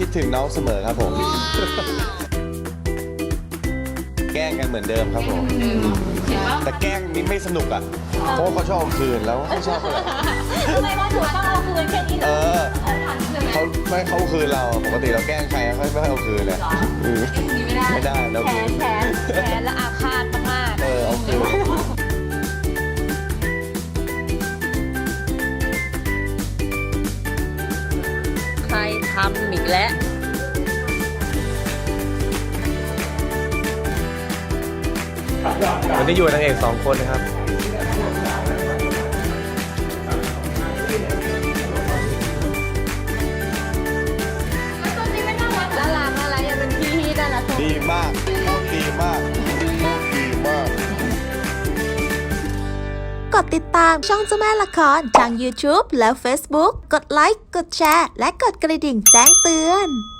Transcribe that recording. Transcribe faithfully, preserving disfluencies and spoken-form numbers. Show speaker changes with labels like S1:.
S1: ดถึงน้องเสมอครับผม แกล้งกันเหมือนเดิมครับผมแต่แกล้งนี่ไม่สนุกอ่ะเพราะว่าเขาชอบเอาคืนแล้วไม่ชอบเลย
S2: ทำไมว่าถือว่าต้องเอาคืนแค่นี้เหร
S1: เอ
S2: อ
S1: อเขาไม่เขาคืนเราปกติเราแกล้งใครเขาไม่ให้เอาคืนเลยอืมไม่ได้เรา
S2: แข
S1: คื
S2: น
S1: น
S2: แขนแขนและอาฆาตมาก
S1: เออเอาคืน
S2: ใครทำอีกแล้ว
S1: วันนี้อยู่กับนางเอกสองคนนะครับ
S2: น่ารักน่ารักยังเป็นพี่ที่น่ารัก
S1: ดีมากพูดดีมากพูดดีมาก
S3: กดติดตามช่องเจ้าแม่ละครทาง YouTube และ Facebook กดไลค์ กดแชร์ และกดกระดิ่งแจ้งเตือน